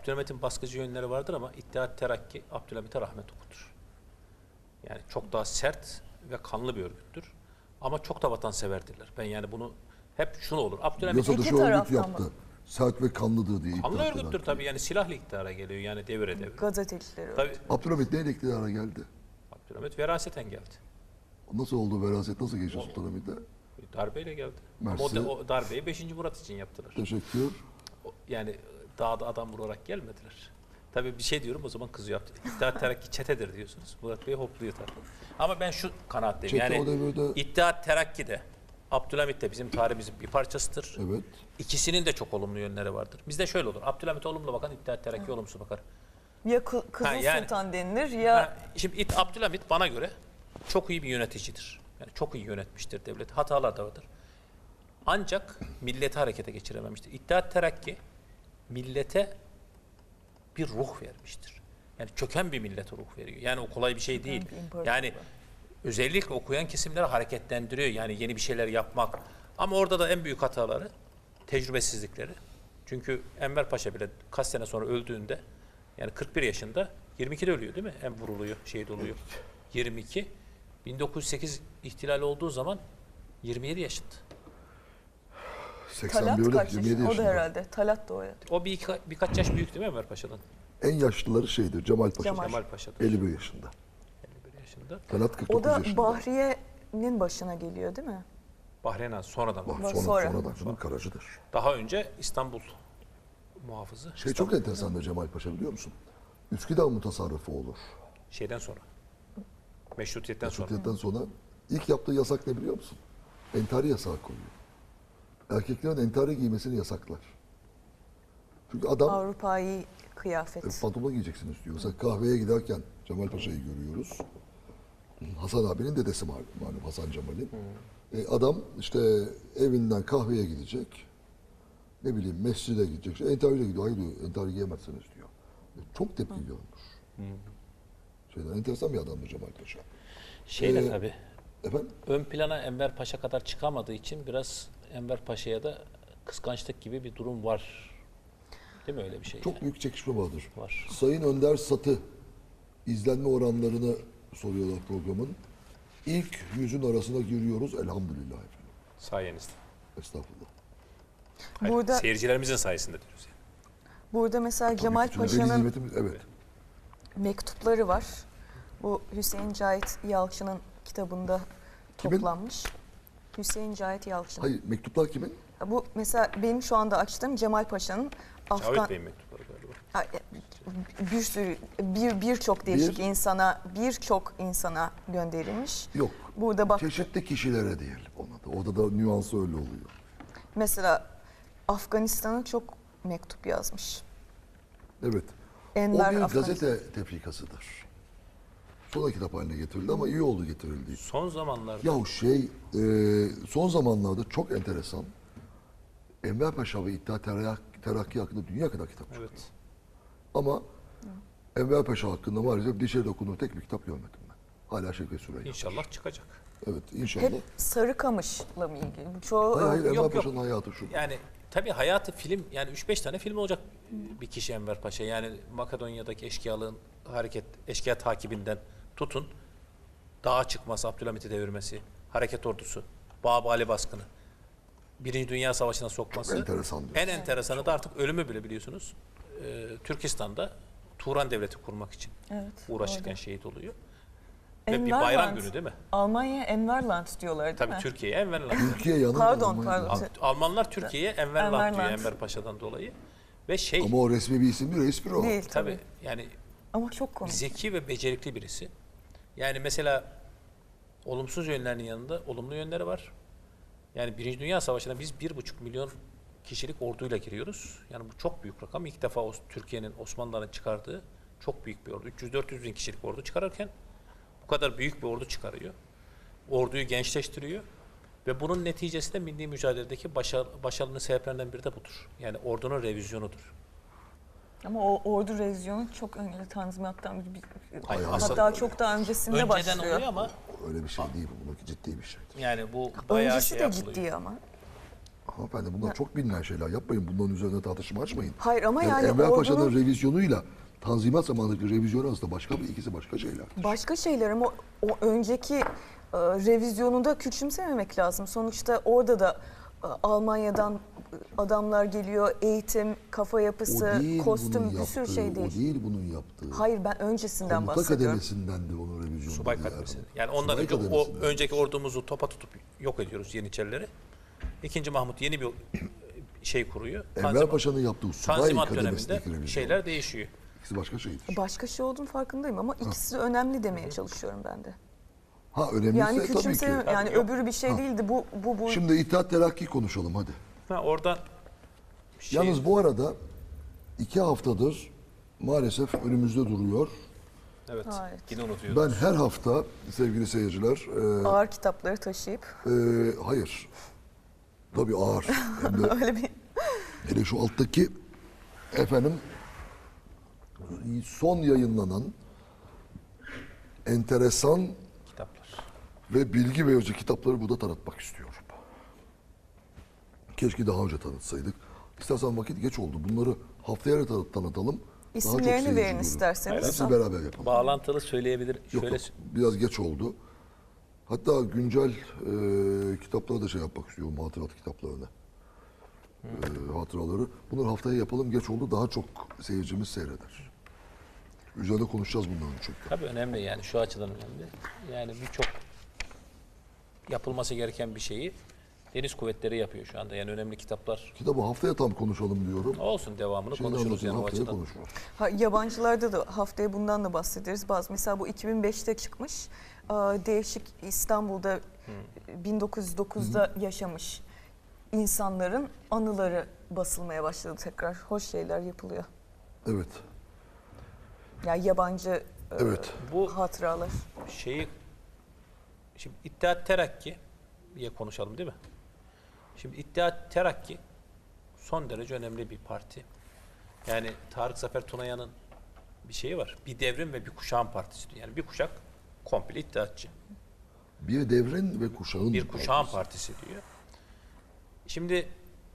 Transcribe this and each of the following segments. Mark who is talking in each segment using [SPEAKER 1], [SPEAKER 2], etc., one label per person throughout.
[SPEAKER 1] Abdülhamit'in baskıcı yönleri vardır ama İttihat Terakki Abdülhamit'e rahmet okutur. Yani çok daha sert ve kanlı bir örgüttür. Ama çok da vatanseverdirler. Ben yani bunu hep şunu olur. Abdülhamit
[SPEAKER 2] Yasa dışı
[SPEAKER 3] İki
[SPEAKER 2] örgüt
[SPEAKER 3] taraftan
[SPEAKER 2] yaptı. Sert ve kanlıdır diye
[SPEAKER 1] kanlı
[SPEAKER 2] iddia
[SPEAKER 1] örgüttür
[SPEAKER 2] eden.
[SPEAKER 1] tabii. Yani silahlı iktidara geliyor yani devre devre.
[SPEAKER 3] Gazetecileri.
[SPEAKER 1] Tabii
[SPEAKER 2] Abdülhamit neyle iktidara geldi?
[SPEAKER 1] Abdülhamit veraseten geldi.
[SPEAKER 2] Nasıl oldu veraset? Nasıl geçti Sultanahmet'e?
[SPEAKER 1] Darbeyle geldi.
[SPEAKER 2] Mersi.
[SPEAKER 1] Ama o darbeyi 5. Murat için yaptılar.
[SPEAKER 2] Teşekkür.
[SPEAKER 1] Yani dağda adam vurarak gelmediler. Tabii bir şey diyorum o zaman kızıyor. İttihat Terakki çetedir diyorsunuz. Murat Bey hopluyor tabii. Ama ben şu kanaatteyim.
[SPEAKER 2] Çete o
[SPEAKER 1] Yani
[SPEAKER 2] devirde-
[SPEAKER 1] İttihat Terakki de Abdülhamit de bizim tarihimizin bir parçasıdır.
[SPEAKER 2] Evet.
[SPEAKER 1] İkisinin de çok olumlu yönleri vardır. Bizde şöyle olur. Abdülhamit olumlu bakar, İttihat Terakki olumsuz bakar.
[SPEAKER 3] Ya Kızıl
[SPEAKER 1] yani-
[SPEAKER 3] Sultan denilir ya
[SPEAKER 1] Şimdi Abdülhamit bana göre çok iyi bir yöneticidir. Yani çok iyi yönetmiştir devleti. Hatalar da vardır. Ancak milleti harekete geçirememiştir. İttihat Terakki millete bir ruh vermiştir. Yani çöken bir millete ruh veriyor. Yani o kolay bir şey değil.
[SPEAKER 3] bir imparatorluk.
[SPEAKER 1] Yani özellikle okuyan kesimleri hareketlendiriyor. Yani yeni bir şeyler yapmak. Ama orada da en büyük hataları tecrübesizlikleri. Çünkü Enver Paşa bile kaç sene sonra öldüğünde yani 41 yaşında 22'de ölüyor değil mi? En vuruluyor, şehit oluyor. 22. 1908 ihtilali olduğu zaman 27 yaşında.
[SPEAKER 3] Talat
[SPEAKER 2] 81'de
[SPEAKER 3] kaç
[SPEAKER 2] 27
[SPEAKER 3] yaşında? O da
[SPEAKER 2] yaşında.
[SPEAKER 3] herhalde. Talat da o ya.
[SPEAKER 1] O birkaç yaş büyük değil mi Enver Paşa'dan?
[SPEAKER 2] En yaşlıları şeydir Cemal Paşa.
[SPEAKER 3] Cemal.
[SPEAKER 1] Kemal Paşa'dan.
[SPEAKER 2] 51 yaşında.
[SPEAKER 1] 51 yaşında.
[SPEAKER 2] Talat 49
[SPEAKER 3] O da
[SPEAKER 2] yaşında.
[SPEAKER 3] Bahriye'nin başına geliyor değil mi?
[SPEAKER 1] Bahreyn Han sonradan.
[SPEAKER 3] Sonra.
[SPEAKER 2] Sonradan canım Karacı'dır.
[SPEAKER 1] Daha önce İstanbul muhafızı.
[SPEAKER 2] Şey çok enteresandır Cemal Paşa biliyor musun? Üsküdar mutasarrıfı olur.
[SPEAKER 1] Şeyden sonra. Meşrutiyetten sonra.
[SPEAKER 2] Meşrutiyetten sonra ilk yaptığı yasak ne biliyor musun? Entari yasağı koyuyor. Erkeklerin entari giymesini yasaklar. Çünkü adam
[SPEAKER 3] Avrupa'yı kıyafet.
[SPEAKER 2] pantolon giyeceksiniz diyor. Mesela kahveye giderken Cemal Paşa'yı görüyoruz. Hasan abinin dedesi malum Hasan Cemal'in. Adam işte evinden kahveye gidecek. Ne bileyim mescide gidecek. İşte entariyle gidiyor. Hayır diyor entari giyemezsiniz diyor. Çok tepki görmüş. Şeyden enteresan bir adamdı Cemal Paşa.
[SPEAKER 1] Şeyle tabii.
[SPEAKER 2] Efendim?
[SPEAKER 1] Ön plana Enver Paşa kadar çıkamadığı için biraz Enver Paşa'ya da kıskançlık gibi bir durum var. Değil mi öyle bir şey?
[SPEAKER 2] Çok
[SPEAKER 1] yani?
[SPEAKER 2] büyük çekişme vardır.
[SPEAKER 1] Var.
[SPEAKER 2] Sayın Önder Satı izlenme oranlarını soruyorlar programın. İlk 100'ün arasına giriyoruz elhamdülillah efendim.
[SPEAKER 1] Sayenizde.
[SPEAKER 2] Estağfurullah.
[SPEAKER 1] Hayır,
[SPEAKER 3] Burada-
[SPEAKER 1] seyircilerimizin sayesinde diyoruz yani.
[SPEAKER 3] Burada mesela Cemal
[SPEAKER 2] Tabii ki,
[SPEAKER 3] Paşa'nın
[SPEAKER 2] nimetimiz, evet.
[SPEAKER 3] mektupları var. Bu Hüseyin Cahit Yalçın'ın kitabında
[SPEAKER 2] Kimin?
[SPEAKER 3] toplanmış. Hüseyin Cahit Yalçın.
[SPEAKER 2] Hayır mektuplar kimin?
[SPEAKER 3] Bu mesela benim şu anda açtığım Cemal Paşa'nın Afgan
[SPEAKER 1] Cavit Bey'in mektupları galiba.
[SPEAKER 3] bir sürü birçok değişik birçok insana gönderilmiş.
[SPEAKER 2] Yok.
[SPEAKER 3] Burada bak
[SPEAKER 2] Çeşitli kişilere diyelim ona da. Orada da nüansı öyle oluyor.
[SPEAKER 3] mesela Afganistan'a çok mektup yazmış.
[SPEAKER 2] Evet.
[SPEAKER 3] Enver
[SPEAKER 2] O bir
[SPEAKER 3] Afganistan.
[SPEAKER 2] gazete tefrikasıdır. Sonra kitap haline getirildi ama iyi oldu getirildiği.
[SPEAKER 1] Son zamanlarda
[SPEAKER 2] Yahu son zamanlarda çok enteresan. Enver Paşa ve İttihat Terakki hakkında dünya kadar kitap çıkıyor.
[SPEAKER 1] evet.
[SPEAKER 2] Ama Enver Paşa hakkında maalesef dişe dokunur tek bir kitap görmedim ben. Hala Şevket Süreyya.
[SPEAKER 1] İnşallah çıkacak.
[SPEAKER 2] Evet inşallah.
[SPEAKER 3] Hep Sarıkamış'la mı ilgili? Bu çoğu
[SPEAKER 2] Hayır, Enver
[SPEAKER 1] yok.
[SPEAKER 2] Paşa'nın hayatı şu.
[SPEAKER 1] Yani tabii hayatı film yani 3-5 tane film olacak bir kişi Enver Paşa. Yani Makedonya'daki eşkıyalığın eşkıya takibinden tutun dağa çıkması, Abdülhamit'i devirmesi, hareket ordusu, Babali baskını, Birinci Dünya Savaşı'na sokması.
[SPEAKER 2] Çok enteresan diyorsun.
[SPEAKER 1] En enteresanı da artık ölümü bile biliyorsunuz. Türkistan'da Turan Devleti kurmak için
[SPEAKER 3] Evet,
[SPEAKER 1] uğraşırken
[SPEAKER 3] doğru.
[SPEAKER 1] şehit oluyor. Ve bir
[SPEAKER 3] Enverland.
[SPEAKER 1] bayram günü değil mi?
[SPEAKER 3] Almanya Enverland diyorlar değil
[SPEAKER 1] Tabii
[SPEAKER 3] mi?
[SPEAKER 1] Türkiye'ye Enverland.
[SPEAKER 2] Türkiye yanar.
[SPEAKER 3] Pardon,
[SPEAKER 2] Almanya'da.
[SPEAKER 3] pardon.
[SPEAKER 1] Almanlar Türkiye'ye Enverland diyor
[SPEAKER 3] Enverland.
[SPEAKER 1] Enver Paşa'dan dolayı. Ve şey
[SPEAKER 2] Ama o resmi bir isim değil, espri o.
[SPEAKER 3] Değil
[SPEAKER 1] tabii
[SPEAKER 3] tabii.
[SPEAKER 1] yani
[SPEAKER 3] Ama çok komik.
[SPEAKER 1] zeki ve becerikli birisi. Yani mesela olumsuz yönlerinin yanında olumlu yönleri var. Yani Birinci Dünya Savaşı'na biz 1,5 milyon kişilik orduyla giriyoruz. Yani bu çok büyük rakam. İlk defa Türkiye'nin Osmanlıların çıkardığı çok büyük bir ordu. 300-400 bin kişilik ordu çıkarırken bu kadar büyük bir ordu çıkarıyor. Orduyu gençleştiriyor. Ve bunun neticesi de milli mücadeledeki başarının sebeplerinden biri de budur. Yani ordunun revizyonudur.
[SPEAKER 3] Ama o ordu revizyonu çok önemli tanzimattan
[SPEAKER 1] Hayır,
[SPEAKER 3] hatta
[SPEAKER 1] aslında-
[SPEAKER 3] çok daha öncesinde
[SPEAKER 1] Önceden
[SPEAKER 3] başlıyor.
[SPEAKER 1] oluyor ama
[SPEAKER 2] Öyle bir şey değil bu. Bununki ciddi bir şeydir.
[SPEAKER 1] yani bu bayağı
[SPEAKER 3] Öncesi
[SPEAKER 1] şey
[SPEAKER 3] de
[SPEAKER 1] yapılıyor.
[SPEAKER 3] ciddi ama.
[SPEAKER 2] Hanımefendi bunlar çok bilinen şeyler. Yapmayın, bunların üzerine tartışma açmayın.
[SPEAKER 3] Hayır ama yani
[SPEAKER 2] Enver Paşa'nın
[SPEAKER 3] ordunun
[SPEAKER 2] revizyonuyla Tanzimat zamanındaki revizyon arasında ikisi başka şeyler.
[SPEAKER 3] başka şeyler ama o önceki revizyonu da küçümsememek lazım. Sonuçta orada da Almanya'dan adamlar geliyor, eğitim, kafa yapısı,
[SPEAKER 2] O değil
[SPEAKER 3] kostüm
[SPEAKER 2] bunun
[SPEAKER 3] bir sürü
[SPEAKER 2] yaptığı,
[SPEAKER 3] şey değil.
[SPEAKER 2] O değil bunun yaptığı.
[SPEAKER 3] Hayır ben öncesinden
[SPEAKER 2] Komuta
[SPEAKER 3] bahsediyorum.
[SPEAKER 2] kademesindendir onun revizyonu.
[SPEAKER 1] Subay kademesi. Yani ondan önce o önceki ordumuzu topa tutup yok ediyoruz Yeniçerileri. İkinci Mahmut yeni bir şey kuruyor.
[SPEAKER 2] Enver Paşa'nın yaptığı subay
[SPEAKER 1] Tanzimat
[SPEAKER 2] kademesindeki
[SPEAKER 1] döneminde
[SPEAKER 2] revizyon.
[SPEAKER 1] şeyler değişiyor.
[SPEAKER 2] İkisi başka şeydir.
[SPEAKER 3] Başka şey olduğunu farkındayım ama ikisi de önemli demeye çalışıyorum ben de.
[SPEAKER 2] Ha önemliyse
[SPEAKER 3] Yani
[SPEAKER 2] tabii ki.
[SPEAKER 3] küçümseme yani
[SPEAKER 1] Yok.
[SPEAKER 3] öbürü bir şey değildi. Bu
[SPEAKER 2] Şimdi İttihat Terakki konuşalım hadi.
[SPEAKER 1] Oradan
[SPEAKER 2] Yalnız bu arada 2 haftadır maalesef önümüzde duruyor.
[SPEAKER 1] evet,
[SPEAKER 3] Evet.
[SPEAKER 1] yine unutuyoruz.
[SPEAKER 2] Ben her hafta sevgili seyirciler,
[SPEAKER 3] ağır kitapları taşıyıp
[SPEAKER 2] hayır, tabii ağır. Hem de
[SPEAKER 3] öyle bir
[SPEAKER 2] hele şu alttaki efendim son yayınlanan enteresan
[SPEAKER 1] Kitaplar.
[SPEAKER 2] ve bilgi verici kitapları burada tanıtmak istiyorum. Keşke daha önce tanıtsaydık. İstersen vakit geç oldu. Bunları haftaya tanıtalım. Daha çok
[SPEAKER 3] isimlerini
[SPEAKER 2] seyirci
[SPEAKER 3] verin
[SPEAKER 2] görür.
[SPEAKER 3] isterseniz.
[SPEAKER 2] Hepsini beraber yapalım.
[SPEAKER 1] Bağlantılı söyleyebilir.
[SPEAKER 2] Yok,
[SPEAKER 1] Şöyle
[SPEAKER 2] biraz geç oldu. Hatta güncel kitaplara da şey yapmak istiyorum, hatırat kitaplarına. Hatıraları. Bunları haftaya yapalım, geç oldu. Daha çok seyircimiz seyreder. Üzerinde konuşacağız bunların çünkü.
[SPEAKER 1] tabii önemli yani şu açıdan önemli. Yani birçok yapılması gereken bir şeyi deniz kuvvetleri yapıyor şu anda. Yani önemli kitaplar
[SPEAKER 2] Kitabı haftaya tam konuşalım diyorum.
[SPEAKER 1] olsun, devamını
[SPEAKER 2] Şimdi
[SPEAKER 1] konuşuruz yani o
[SPEAKER 2] haftaya
[SPEAKER 1] açıdan.
[SPEAKER 2] konuşuruz.
[SPEAKER 3] Yabancılarda da haftaya bundan da bahsederiz. Mesela bu 2005'te çıkmış. Değişik İstanbul'da 1909'da yaşamış insanların anıları basılmaya başladı tekrar. Hoş şeyler yapılıyor.
[SPEAKER 2] Evet.
[SPEAKER 3] Yani yabancı
[SPEAKER 2] Evet.
[SPEAKER 1] Bu
[SPEAKER 3] hatıralar.
[SPEAKER 1] şeyi şimdi İttihat Terakki'ye konuşalım değil mi? Şimdi İttihat Terakki son derece önemli bir parti. Yani Tarık Zafer Tunayan'ın bir şeyi var. Bir devrim ve bir kuşağın partisi diyor. Yani bir kuşak komple İttihatçı.
[SPEAKER 2] Bir devrin ve kuşağın
[SPEAKER 1] Bir kuşağın partisi diyor. Şimdi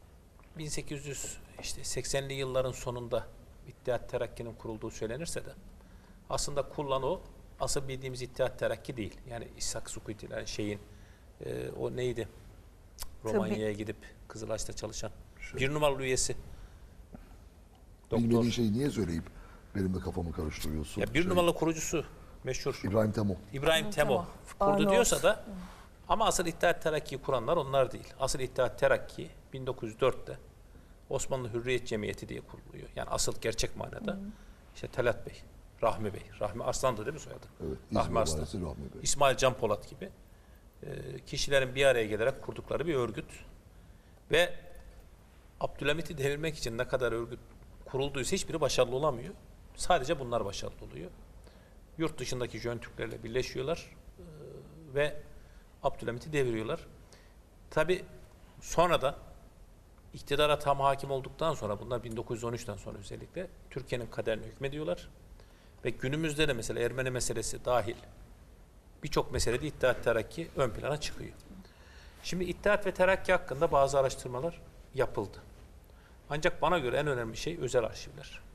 [SPEAKER 1] 1880'li yılların sonunda İttihat Terakki'nin kurulduğu söylenirse de aslında kurulan o asıl bildiğimiz İttihat Terakki değil. Yani İshak Sukuti'ler şeyin o neydi? Romanya'ya gidip Kızılaş'ta çalışan bir numaralı üyesi. Doktor.
[SPEAKER 2] Bilmediğin şeyi niye söyleyip benim de kafamı karıştırıyorsun?
[SPEAKER 1] Ya bir numaralı kurucusu meşhur
[SPEAKER 2] İbrahim Temo.
[SPEAKER 1] İbrahim Temo kurdu
[SPEAKER 3] Arnavut.
[SPEAKER 1] diyorsa da ama asıl İttihat Terakki'yi kuranlar onlar değil. Asıl İttihat Terakki 1904'te Osmanlı Hürriyet Cemiyeti diye kuruluyor. Yani asıl gerçek manada işte Talat Bey, Rahmi Bey, Rahmi Arslan'dı değil mi soyadı?
[SPEAKER 2] Evet.
[SPEAKER 1] Rahmi
[SPEAKER 2] İzmir
[SPEAKER 1] Arslan,
[SPEAKER 2] Valisi Rahmi Bey.
[SPEAKER 1] İsmail Can Polat gibi kişilerin bir araya gelerek kurdukları bir örgüt. Ve Abdülhamit'i devirmek için ne kadar örgüt kurulduysa hiçbiri başarılı olamıyor. Sadece bunlar başarılı oluyor. Yurt dışındaki Jön Türklerle birleşiyorlar ve Abdülhamit'i deviriyorlar. Tabi sonra da iktidara tam hakim olduktan sonra bunlar 1913'ten sonra özellikle Türkiye'nin kaderine hükmediyorlar. Ve günümüzde de mesela Ermeni meselesi dahil birçok meselede İttihat Terakki ön plana çıkıyor. Şimdi İttihat ve Terakki hakkında bazı araştırmalar yapıldı. Ancak bana göre en önemli şey özel arşivler.